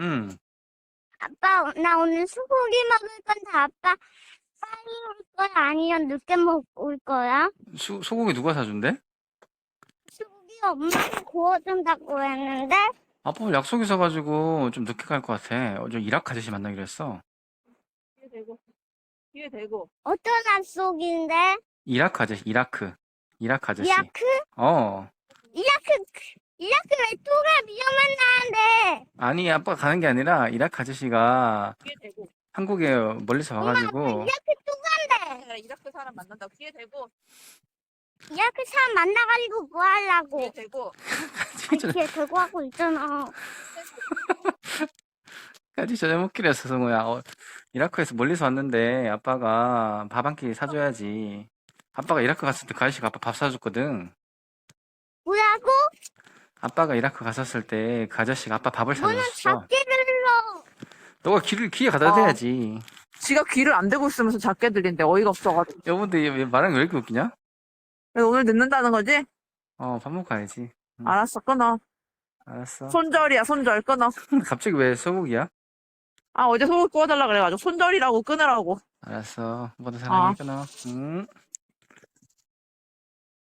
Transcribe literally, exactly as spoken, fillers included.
응. 아빠, 나 오늘 소고기 먹을 건데 아빠 빨리 올 거야? 아니면 늦게 먹을 거야? 수, 소고기 누가 사준대? 소고기 엄마가 구워준다고 했는데 아빠 오늘 약속 있어가지고 좀 늦게 갈 것 같아. 어제 이라크 아저씨 만나기로 했어. 뒤에 대고, 뒤에 대고. 어떤 약속인데? 이라크 아저씨, 이라크. 이라크 아저씨. 이라크? 어. 이라크, 이라크 왜 또가 위험한다는데? 아니, 아빠가 가는 게 아니라 이라크 아저씨가 뒤에 대고. 한국에 멀리서 엄마, 아빠 와가지고 이라크 또 간대. 내가 이라크 사람 만난다고 뒤에 대고, 이라크 사람 만나가지고 뭐 하려고? 뒤에 대고. 아니, 뒤에 들고 하고 있잖아. 까지 저녁 먹기로 했어, 성우야. 어, 이라크에서 멀리서 왔는데 아빠가 밥 한 끼 사줘야지. 아빠가 이라크 갔을 때 그 아저씨가 아빠 밥 사줬거든. 뭐라고? 아빠가 이라크 갔었을 때 그 아저씨가 아빠 밥을 너는 사줬어. 작게 들러. 너가 길을 귀에 갖다 아. 대야지. 지가 귀를 안 대고 있으면서 작게 들린대. 어이가 없어가지고. 여보인데 왜 말하는 게 왜 이렇게 웃기냐? 그래서 오늘 늦는다는 거지? 어, 밥 먹고 가야지. 응. 알았어, 끊어. 알았어. 손절이야, 손절. 끊어. 갑자기 왜 소고기야? 아, 어제 소고기 구워달라 그래가지고 손절이라고 끊으라고. 알았어. 모두 아. 사랑해, 끊어. 응.